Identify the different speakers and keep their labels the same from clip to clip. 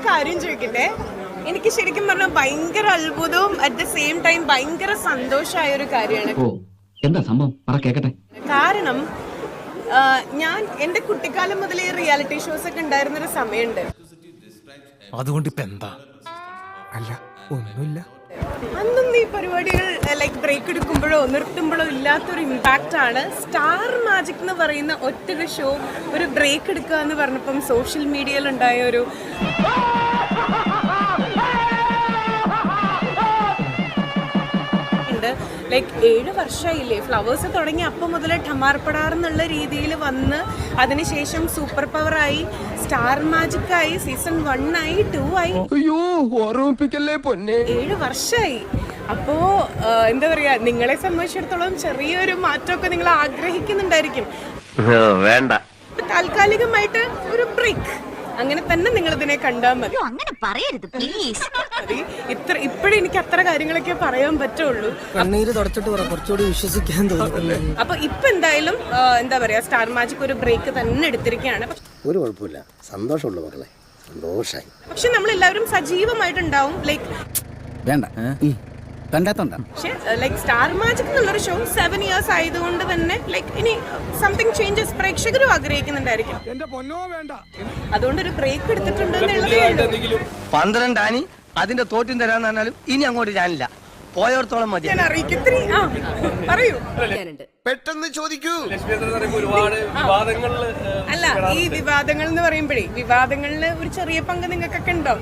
Speaker 1: കാര്യം ചോദിക്കട്ടെ. എനിക്ക് ശരിക്കും പറഞ്ഞാൽ ഭയങ്കര അത്ഭുതവും അറ്റ് ദ സെയിം ടൈം ഭയങ്കര സന്തോഷമായ ഒരു കാര്യമാണ്.
Speaker 2: എന്താ സംഭവം പറ കേക്കട്ടെ.
Speaker 1: കാരണം ഞാൻ എന്റെ കുട്ടിക്കാലം മുതലേ റിയാലിറ്റി ഷോസ് ഒക്കെ ഉണ്ടായിരുന്നൊരു സമയമുണ്ട്.
Speaker 3: അതുകൊണ്ട് ഇപ്പൊ എന്താ? അല്ല ഒന്നുമില്ല.
Speaker 1: അന്നൊന്നും ഈ പരിപാടികൾ ലൈക്ക് ബ്രേക്ക് എടുക്കുമ്പോഴോ നിർത്തുമ്പോഴോ ഇല്ലാത്തൊരു ഇമ്പാക്റ്റ് ആണ് സ്റ്റാർ മാജിക് എന്ന് പറയുന്ന ഒറ്റൊരു ഷോ ഒരു ബ്രേക്ക് എടുക്കുക എന്ന് പറഞ്ഞപ്പം സോഷ്യൽ മീഡിയയിൽ ഉണ്ടായ ഒരു ലൈക്ക് 7 വർഷമായില്ലേ ഫ്ലവേഴ്സ് തുടങ്ങി അപ്പം മുതൽ ഠമാർപ്പടാർ എന്നുള്ള രീതിയിൽ വന്ന് അതിനുശേഷം സൂപ്പർ പവറായി സ്റ്റാർ മാജിക് ആയി സീസൺ 1 ആയി 2 ആയി 7 വർഷമായി. അപ്പോ എന്താ പറയാ, നിങ്ങളെ സംബന്ധിച്ചിടത്തോളം ചെറിയൊരു മാറ്റമൊക്കെ നിങ്ങൾ ആഗ്രഹിക്കുന്നുണ്ടായിരിക്കും.
Speaker 4: വേണ്ട,
Speaker 1: താൽക്കാലികമായിട്ട് ഒരു ബ്രേക്ക് അങ്ങനെ തന്നെ നിങ്ങൾ ഇതിനെ കണ്ടാൽ മതി.
Speaker 5: അങ്ങനെ പറയരുത് പ്ലീസ്.
Speaker 1: ഇപ്പോഴും എനിക്ക് അത്ര കാര്യങ്ങളൊക്കെ പറയാൻ പറ്റുള്ളൂ.
Speaker 6: കണ്ണീര് തുടച്ചിട്ട് കുറച്ചുകൂടി വിശ്വസിക്കാൻ തോന്നുന്നു.
Speaker 1: അപ്പൊ ഇപ്പൊ എന്തായാലും എന്താ പറയാ, സ്റ്റാർ മാജിക് ഒരു ബ്രേക്ക് തന്നെ എടുത്തിരിക്കുകയാണ്.
Speaker 7: ഒരു കുഴപ്പമില്ല, സന്തോഷമുള്ളൂ മക്കളെ, സന്തോഷായി.
Speaker 1: പക്ഷെ നമ്മളെല്ലാവരും സജീവമായിട്ടുണ്ടാവും. ലൈക്ക്
Speaker 6: വേണ്ട കണ്ടാത്തോണ്ട.
Speaker 1: പക്ഷെ ലൈക്ക് സ്റ്റാർ മാജിക് എന്നുള്ളൊരു ഷോ 7 years ആയതുകൊണ്ട് തന്നെ ലൈക്ക് ഇനി സംതിങ് ചേഞ്ചസ് പ്രേക്ഷകരും ആഗ്രഹിക്കുന്നുണ്ടായിരിക്കും. അതുകൊണ്ട് ഒരു ബ്രേക്ക് എടുത്തിട്ടുണ്ട് എന്നുള്ളത്
Speaker 4: 12 ആനി അതിന്റെ തോറ്റും തരാന്ന് പറഞ്ഞാലും ഇനി അങ്ങോട്ട് ഞാനില്ല, പോയോടത്തോളം മതി.
Speaker 1: ഞാൻ അറിയിക്കും. പറയൂ.
Speaker 7: പെട്ടെന്ന് ചോദിക്കൂ.
Speaker 1: അല്ല, ഈ വിവാദങ്ങൾ എന്ന് പറയുമ്പോഴേ വിവാദങ്ങളില് ഒരു ചെറിയ പങ്ക് നിങ്ങൾക്കൊക്കെ ഉണ്ടോ?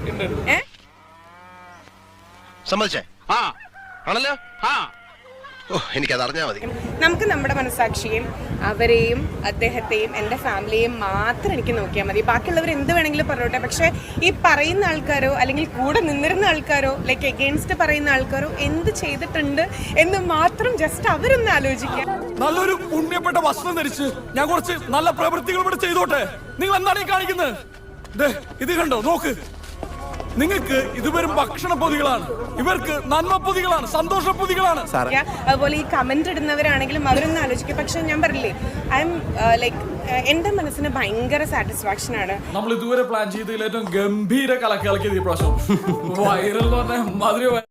Speaker 7: സമ്മതിച്ചേ? ആണല്ലോ. എനിക്കത് അറിഞ്ഞാൽ മതി.
Speaker 1: നമുക്ക് നമ്മുടെ മനസാക്ഷിയും അവരെയും അദ്ദേഹത്തെയും എൻ്റെ ഫാമിലിയെയും മാത്രം എനിക്ക് നോക്കിയാൽ മതി. ബാക്കിയുള്ളവർ എന്ത് വേണമെങ്കിലും പറഞ്ഞോട്ടെ. പക്ഷെ ഈ പറയുന്ന ആൾക്കാരോ അല്ലെങ്കിൽ കൂടെ നിന്നിരുന്ന ആൾക്കാരോ ലൈക്ക് എഗെയിൻസ്റ്റ് പറയുന്ന ആൾക്കാരോ എന്ത് ചെയ്തിട്ടുണ്ട് എന്ന് മാത്രം ജസ്റ്റ് അവരൊന്ന് ആലോചിക്കാം.
Speaker 3: നല്ലൊരു പുണ്യപ്പെട്ട വസ്ത്രം ധരിച്ച് ഞാൻ കുറച്ച് നല്ല പ്രവൃത്തികൾ ഇവിടെ ചെയ്തോട്ടെ. നിങ്ങൾ എന്താണ് ഈ കാണിക്കുന്നത്? ഇത് കണ്ടോ, നോക്ക്. നിങ്ങൾക്ക് ഇത് വെറും ഭക്ഷണ പൊതികളാണ്, ഇവർക്ക് നന്മ പൊതികളാണ്, സന്തോഷ പൊതികളാണ്.
Speaker 1: അതുപോലെ ഈ കമന്റ് ഇടുന്നവരാണെങ്കിലും അവരൊന്നും ആലോചിക്കും. പക്ഷെ ഞാൻ പറഞ്ഞില്ലേ, ഐ എം ലൈക്ക് എന്റെ മനസ്സിന് ഭയങ്കര സാറ്റിസ്ഫാക്ഷൻ ആണ്.
Speaker 3: നമ്മൾ ഇതുവരെ പ്ലാൻ ചെയ്തതിൽ ഏറ്റവും ഗംഭീര കലക്കിയത് ഈ പ്രാവശ്യം വൈറൽ എന്ന് പറഞ്ഞ മാതിരി